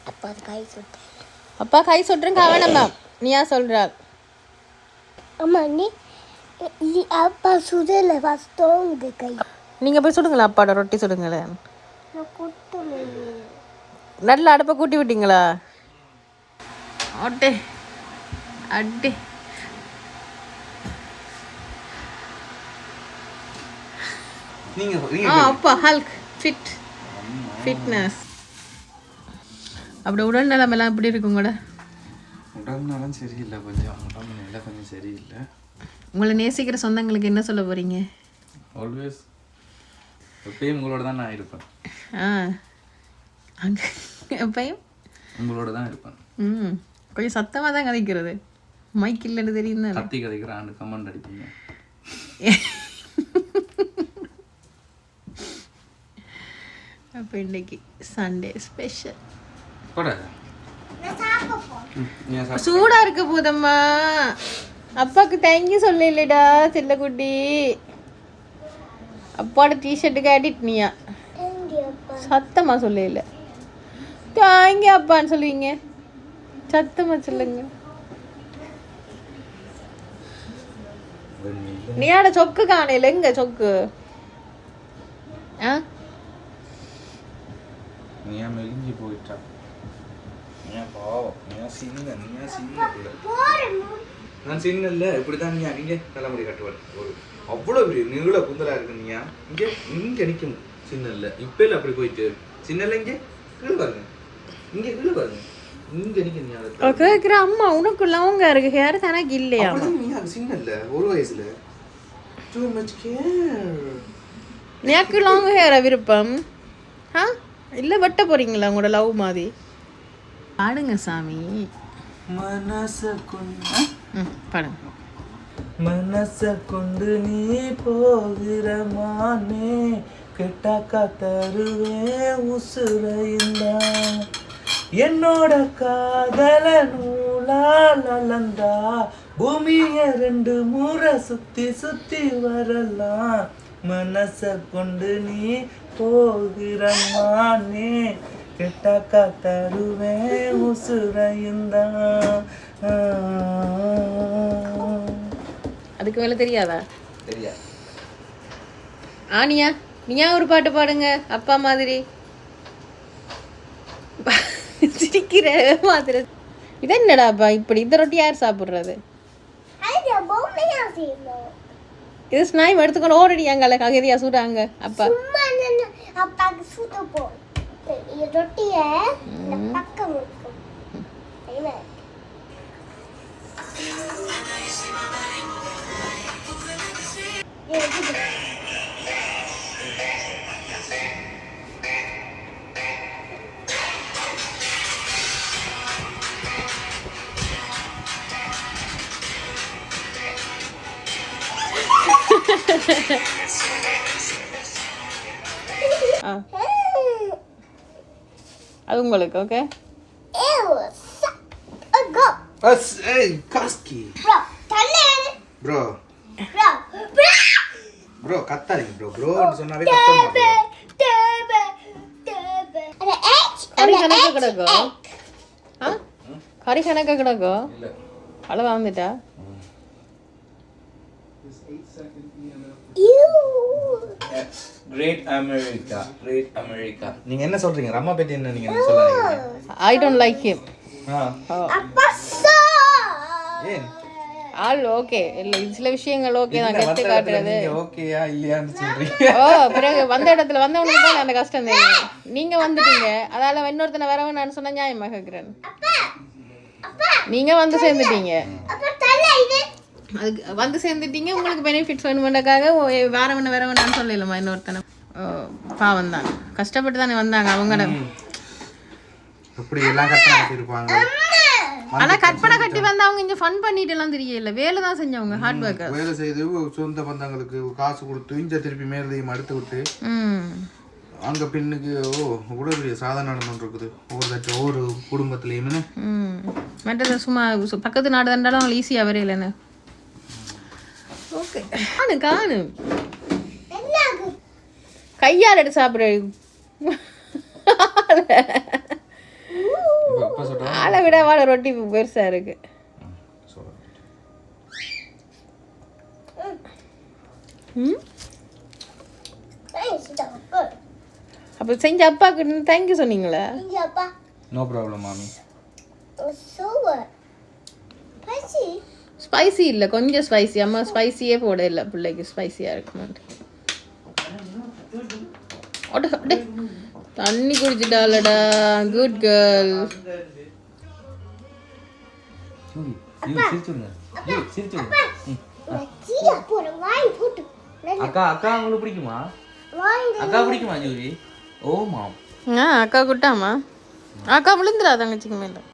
அப்பா கை சுட்டுறேன் கவனமா நீயா சொல்கிறார் அம்மா நீ அப்பா சுடல ஃபர்ஸ்ட் உங்க கை நீங்கள் போய் சுடுங்களா அப்பாவோட ரொட்டி சுடுங்களேன் நல்ல அடுப்பை கூட்டி விட்டீங்களா அட்டே அட்டே அப்பா ஹல்க் ஃபிட்னஸ் அப்படி உடல் நலமெல்லாம் எப்படி இருக்கும் கூட உடல் நலம் சரியில்லை கொஞ்சம் உடம்பு நல்லா கொஞ்சம் சரியில்லை உங்களை நேசிக்கிற சொந்தங்களுக்கு என்ன சொல்ல போகிறீங்க ஆல்வேஸ் எப்பயும் உங்களோட தான் நான் இருப்பேன் அங்கே எப்பயும் உங்களோட தான் இருப்பேன் கொஞ்சம் சத்தமாக தான் கதைக்கிறது மைக் இல்லைன்னு தெரியும் தான் கத்தி கதைக்கிறான்னு கமெண்ட் அடிப்பீங்க அப்போ இன்னைக்கு சண்டே ஸ்பெஷல் சூடாக இருக்க போதம்மா அப்பாவுக்கு தேங்க்யூ சொல்ல இல்லைடா செல்லக்குட்டி அப்பாவோட டிஷர்ட்டுக்கு அடிட்னியா சத்தமாக சொல்ல இல்லை தேங்க்யூ அப்பான்னு சொல்லுவீங்க சத்தமாக சொல்லுங்க நீயாட சொக்கு காணையில் எங்க சொக்கு நீயா மெலிஞ்சு போயிட்டா நீயா பாவம் நீயா சின்ன நான் சின்ன இல்லை இப்படிதான் நீயா இங்கே தலைமுடி கட்டுவாள் ஒரு அவ்வளோ பெரிய நீள குந்தலா இருக்கு நீயா இங்கே நிற்கும் சின்ன இல்லை இப்போ இல்லை அப்படி போயிட்டு சின்ன இல்லை இங்கே கீழே பாருங்க இங்கே கீழே பாருங்க இங்கே நிற்க நீ கேட்குற அம்மா உனக்கு லவங்க இருக்கு ஹேர் தனக்கு இல்லையா நீ சின்ன இல்லை ஒரு வயசுல டூ மச் கேர் எனக்கு லாங் ஹேரா விருப்பம் இல்லை வெட்ட போறீங்களா உங்களோட லவ் மாதிரி பாடுங்க சாமி மனச கொண்டு பாடுங்க மனச கொண்டு நீ போகிற மானே கெட்டாக்கா தருவேன் உசுரைந்தா என்னோட காதல நூலால் அளந்தா பூமிய 2 முறை சுத்தி சுத்தி வரலாம் மனச கொண்டு நீ போகிற மானே கெட்டாக்கா தருவேன் உசுரைந்தா அதுக்கு மேலே தெரியாதா தெரியா நீயா ஒரு பாட்டு பாடுங்க அப்பா மாதிரி சிரிக்கிற மாதிரி இது என்னடாப்பா இப்படி இந்த ரொட்டி யார் சாப்பிட்றது இது ஸ்நாயம் எடுத்துக்கொண்டு ஓடிடியாங்கல்ல ககதியா சூடாங்க அப்பா அப்பாக்கு சூட போ ரொட்டிய பக்கம் அது உங்களுக்கு ஓகே ப்ரோ கத்தாதீங்க ப்ரோன்னு சொன்னாவே கத்தமா கறி கணக்க கிடக்கோ கறி கணக்க கிடக்கோ அளவா வந்துட்டா கிரேட் அமெரிக்கா நீங்க என்ன சொல்றீங்க ரம்மா பத்தி என்ன நீங்க சொல்றீங்க ஐ டோன்ட் லைக் ஹிம் ஏன் ஆல் ஓகே இல்ல சில விஷயங்கள் ஓகே தான் கெத்து காட்டுறது ஓகேயா இல்லையான்னு சொல்றீங்க பிறகு வந்த இடத்துல வந்தவனுக்கு தான் அந்த கஷ்டம் தெரியும் நீங்க வந்துட்டீங்க அதால இன்னொருத்தனை வரவன் நான் சொன்ன நியாயமா கேட்கிறேன் நீங்க வந்து சேர்ந்துட்டீங்க அதுக்கு வந்து சேர்ந்துட்டீங்க உங்களுக்கு பெனிஃபிட்ஸ் வேணுமென்றக்காக வேறவன் சொல்லலாமா இன்னொருத்தனை பாவம் தான் கஷ்டப்பட்டு தானே வந்தாங்க அவங்க அப்படி எல்லாம் கஷ்டம் இருப்பாங்க ஆனா கற்பனை கட்டி வந்து அவங்க இங்க ஃபன் பண்ணிட்டு எல்லாம் தெரியல வேலை தான் செஞ்சவங்க ஹார்ட் ஒர்க் வேலை செய்து சொந்த பந்தங்களுக்கு காசு கொடுத்து இங்க திருப்பி மேலதையும் அடுத்து விட்டு அங்க பெண்ணுக்கு இவ்வளவு பெரிய சாதனை நடந்து இருக்குது ஒவ்வொரு குடும்பத்திலயுமே மற்றது சும்மா பக்கத்து நாடு தண்டாலும் அவங்க ஈஸியா வரையிலன்னு ஓகே காணு கையால் எடுத்து சாப்பிட்ற அப்பா சொல்றா ஆளை விட வாழை ரொட்டி பெருசா இருக்கு. சொல்றேன். ம் Thanks, Papa. அப்போ செஞ்ச அப்பாவுக்கு தேங்க்யூ சொன்னீங்களா? Thank you, Papa. No problem மாமி. So what? Spicy? ஸ்பைசி இல்லை, கொஞ்சம் ஸ்பைசி. அம்மா ஸ்பைசியே போட இல்லை, பிள்ளைக்கு ஸ்பைசியாக இருக்குமான்ட்டு. அட அடே, தண்ணி குடிச்சிட்டாலடா. Good girl. ஜூலி யூ சிரிச்சுங்க. யூ சிரிச்சுங்க. Chia போடு வாய் போட்டு. அக்கா உங்களுக்கு பிடிக்குமா? வாய் அக்கா பிடிக்குமா ஜூலி? ஓ மாம். அக்கா குட்டாமா? அக்கா விழுந்துடா தங்கச்சிக்கு மேலே.